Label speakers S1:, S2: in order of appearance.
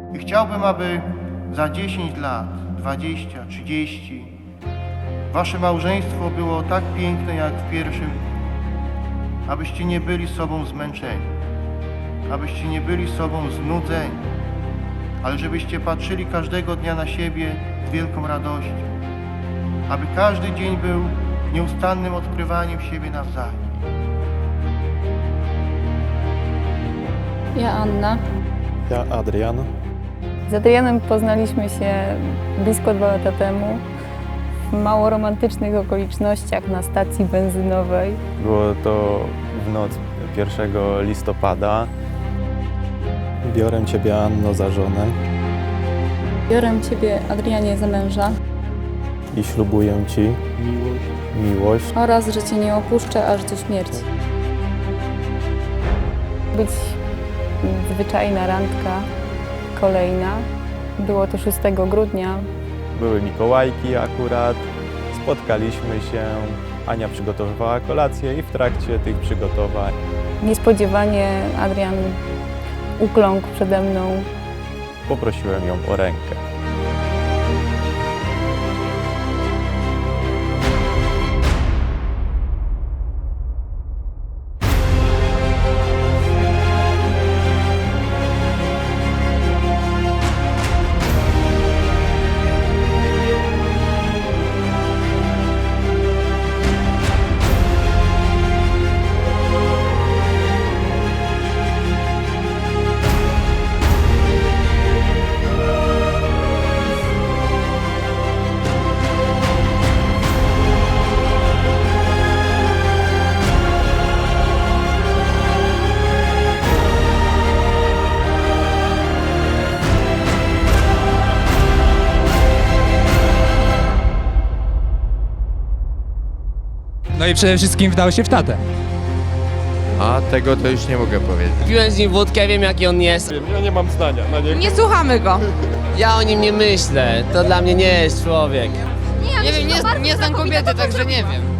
S1: I chciałbym, aby za 10 lat, 20, 30 wasze małżeństwo było tak piękne jak w pierwszym, abyście nie byli sobą zmęczeni, abyście nie byli sobą znudzeni, ale żebyście patrzyli każdego dnia na siebie z wielką radością, aby każdy dzień był nieustannym odkrywaniem siebie nawzajem.
S2: Ja Anna.
S3: Ja Adrian.
S2: Z Adrianem poznaliśmy się blisko 2 lata temu w mało romantycznych okolicznościach na stacji benzynowej.
S3: Było to w noc 1 listopada. Biorę Ciebie, Anno, za żonę
S2: Biorę Ciebie, Adrianie, za męża
S3: i ślubuję Ci miłość,
S2: oraz, że Cię nie opuszczę aż do śmierci. Być zwyczajna randka, kolejna. Było to 6 grudnia.
S3: Były Mikołajki akurat, spotkaliśmy się, Ania przygotowywała kolację i w trakcie tych przygotowań
S2: Niespodziewanie Adrian ukląkł przede mną.
S3: poprosiłem ją o rękę.
S4: No i przede wszystkim wdał się w tatę.
S5: A tego to już nie mogę powiedzieć.
S6: Piłem z nim wódkę, wiem jaki on jest.
S3: Ja nie mam zdania na niego.
S7: Nie słuchamy go.
S6: Ja o nim nie myślę, to dla mnie nie jest człowiek.
S7: Nie wiem, nie znam kobiety, także nie wiem.